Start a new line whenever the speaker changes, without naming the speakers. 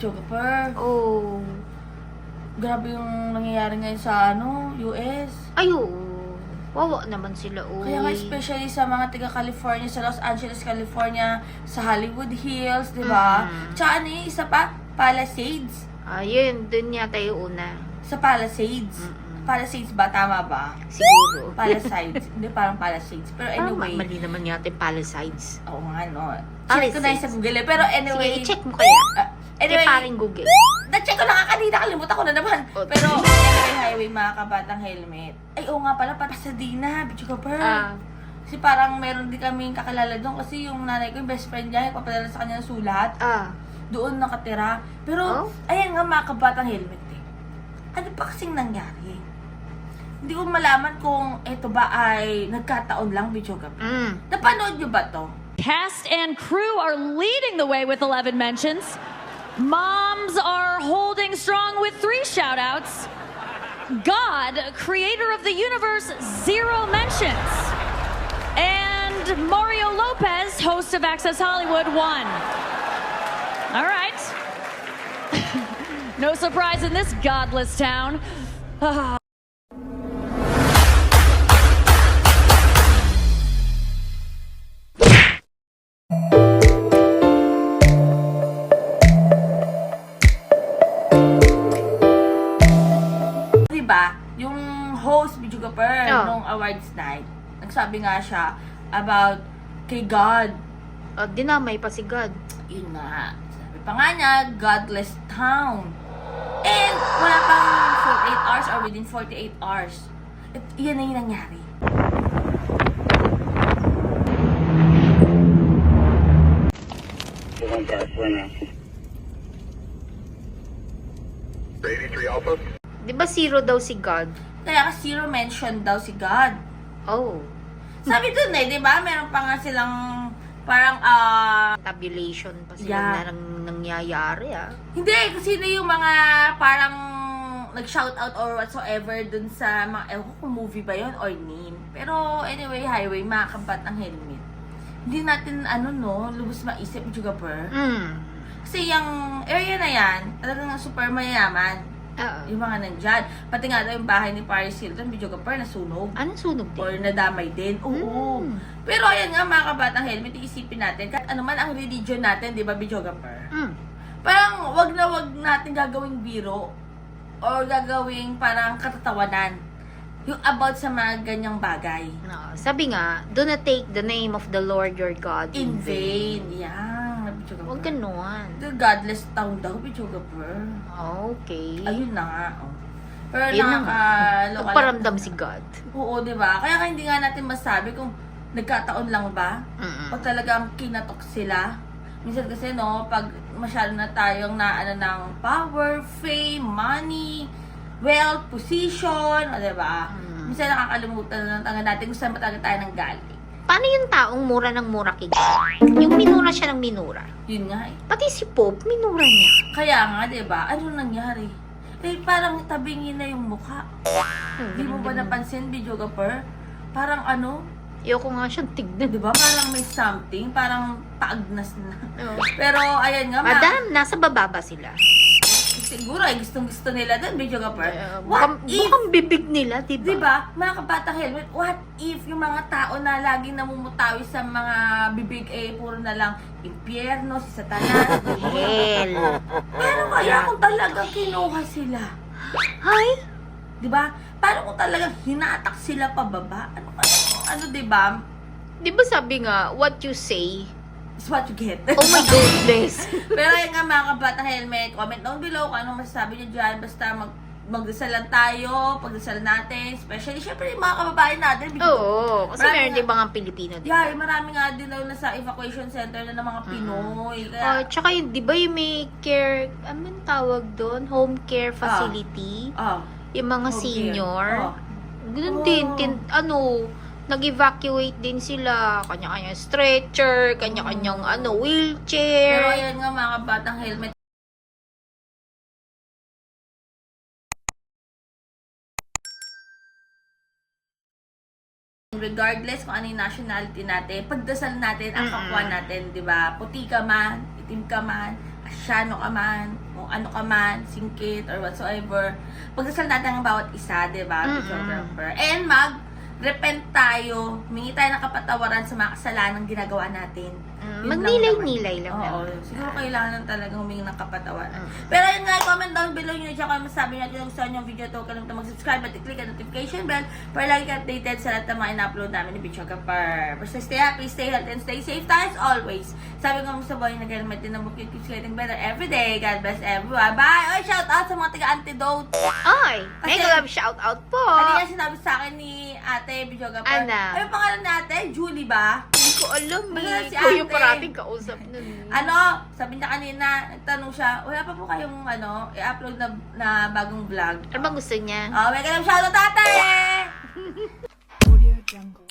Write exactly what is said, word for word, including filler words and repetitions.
Chokapur.
Oh.
Grabe yung nangyayari ngayon sa ano, U S.
Ay, oo. Wawa naman sila, uy.
Kaya nga especially sa mga taga-California, sa Los Angeles, California, sa Hollywood Hills, di ba?
Mm.
Tsaka ano yung isa pa? Palisades.
Ayun, dun yata yung una.
Sa Palisades.
Mm-mm.
Palisades ba? Tama ba?
Siguro.
Palisades. Hindi, parang Palisades. Pero
Parang
anyway.
mali naman yata yung Palisades.
Oo nga, no. Check ko na yun sa Google eh. Pero anyway.
Sige, i-check mo kaya.
Uh, anyway.
Kay paring Google.
Na-check ko na nga kanina. Kalimutan ko na naman.
Oh,
Pero anyway, highway, mga kabatang helmet. Ay, oo nga pala. Pasadena. Bitch ka pa.
Ah.
Kasi parang meron din kaming kakilala doon. Kasi yung nanay ko, yung best friend niya, papadala sa kanya ng sulat.
Ah.
Doon nakatira. Pero,
Oh?
ayan nga mga kabatang helmet eh. Ano pa kasing nangyari? Hindi ko malaman kung ito ba ay nagkataon lang, Bicho Gabi.
Mm.
Napanood nyo ba to?
Cast and crew are leading the way with eleven mentions. Moms are holding strong with three shout-outs. God, creator of the universe, zero mentions. And Mario Lopez, host of Access Hollywood, one. All right. No surprise in this godless town.
Diba, yung host, Bicho Gaper,
Oh.
nung awards night, nagsabi nga siya about kay God.
Oh, dinamay pa si God.
Yun nga. Sabi pa nga niya, godless town. And wala pang forty-eight hours or within forty-eight hours. At yan na yung nangyari.
eighty-three Alpha.
Di ba zero daw si God?
Kaya ka zero mention daw si God.
Oh.
Sabi dun eh, di ba? Meron pa nga silang parang, ah,
Tabulation pa sila
Yeah.
na nang nangyayari, ah.
hindi, kasi sino yung mga parang nag-shoutout or whatsoever dun sa mga, ewan ko kung movie ba yun or name. Pero anyway, highway, mga kabat ng helmet. Hindi natin, ano no, lubos maisip, Jugapur.
Mm.
Kasi yung area na yan, talagang super mayayaman.
Oo.
Yung mga nandyan. Pati nga daw yung bahay ni Paris Hilton, Jugapur, nasunog.
Anong sunog
Or
din?
nadamay din. Oo.
Mm.
Pero ayan nga, mga kabatang helmet, iisipin natin, kahit ano man ang religion natin, di ba, Bijogapur?
Mm.
Parang wag na wag natin gagawing biro or gagawing parang katatawanan yung about sa mga ganyang bagay.
No, sabi nga, do not take the name of the Lord your God
In vain. Yan.
Huwag ganon.
The godless town daw, Bijogapur.
Okay.
Ayun na nga. Oh. Pero
Ayun na nga.
nakaka-local.
Nagparamdam si God.
Oo, di ba? Kaya hindi nga natin masabi kung nagkataon lang ba
Mm-mm.
o talagang kinatok sila. Minsan kasi no, pag masyado na tayong na ano ng power, fame, money, wealth, position, o diba?
Mm.
Minsan nakakalimutan na lang natin kung saan ba talaga tayo nang galing.
Paano yung taong mura ng mura kay God? Yung minura siya ng minura.
Yun nga eh.
Pati si Pope, minura niya.
Kaya nga, diba? Ano nangyari? Eh, parang tabingin na yung mukha.
Hmm,
Di mo ba napansin, Bijogapur? Parang ano,
Ayoko nga siyang tignan.
di ba? Parang may something, parang paagnas na.
Oh.
Pero, ayan nga, ma-
Madam, nasa baba ba sila?
siguro ay gustong-gusto nila doon, Bijogapur.
Uh,
What
bukang,
if,
bukang bibig nila, diba?
di ba, mga kabatang helmet, what if yung mga tao na laging namumutawi sa mga bibig eh, puro na lang impyerno, si Satanas,
Hell.
pero kaya kung talagang kinuha sila,
Hi?
di ba? Paano kung talagang hinatak sila pababa? Ano kaya, ano, di ba?
Di ba sabi nga, what you say?
Is what you get.
Oh my goodness.
Pero ayun nga mga kabatang helmet, comment down below kung anong masasabi nyo dyan. Basta mag magdasal lang tayo, pagdasal natin. Especially, syempre, yung mga kababayan natin.
Oo, kasi
Marami
meron
nga-
din mga Pilipino din.
Yeah, marami nga din daw nasa evacuation center na ng mga Pinoy.
Oh,
Kaya,
tsaka yun, di ba yung may care, ano yung tawag doon? Home care facility?
ah,
Yung mga
okay.
senior?
Oh.
Ganun
Oh.
din, tin, ano, nag-evacuate din sila. Kanya-kanyang stretcher, kanya-kanyang ano,
Pero
wheelchair.
ayan nga mga kabatang helmet. Regardless kung ano yung nationality natin, pagdasal natin ang kapwa natin, di ba? Puti ka man, itim ka man, asyano ka man, kung ano ka man, singkit, or whatsoever, pagdasal natin ang bawat isa, di ba?
Mm-mm.
Videographer. And mag-repent tayo, humingi tayo ng kapatawaran sa mga kasalanan ginagawa natin.
Mm,
Yun lang
magnilay-nilay
naman.
lang
Oo,
naman.
siguro kailangan talaga humingi ng kapatawaran.
Mm.
Pero yun nga, comment down below nyo dyan kung masasabi natin kung gusto nyo yung video to. Huwag kalimutan mag-subscribe at i-click ang notification bell para lagi ka updated sa lahat ng mga in-upload namin ni Videographer. Basta stay happy, stay healthy, and stay safe tayo as always. Sabi ko sa boy, nag-helmet din ng bukid, keeps getting better every day. God bless everyone. Bye! Oy, shout out sa mga taga-antidote.
Ay,
Kasi-
mega love shout out po.
Kanina sinabi sa akin ni ate Videographer.
Ano?
Ano yung pangalan natin? Julie ba?
Hindi ko alam
Basta
eh.
si
Ikaw yung
ate.
parating kausap nun.
Ano, sabi niya kanina, nagtanong siya, wala pa po kayong ano, i-upload na, na bagong vlog.
Ano bang gusto niya?
Oh, may ganun shoutout tate!
Audio Jungle.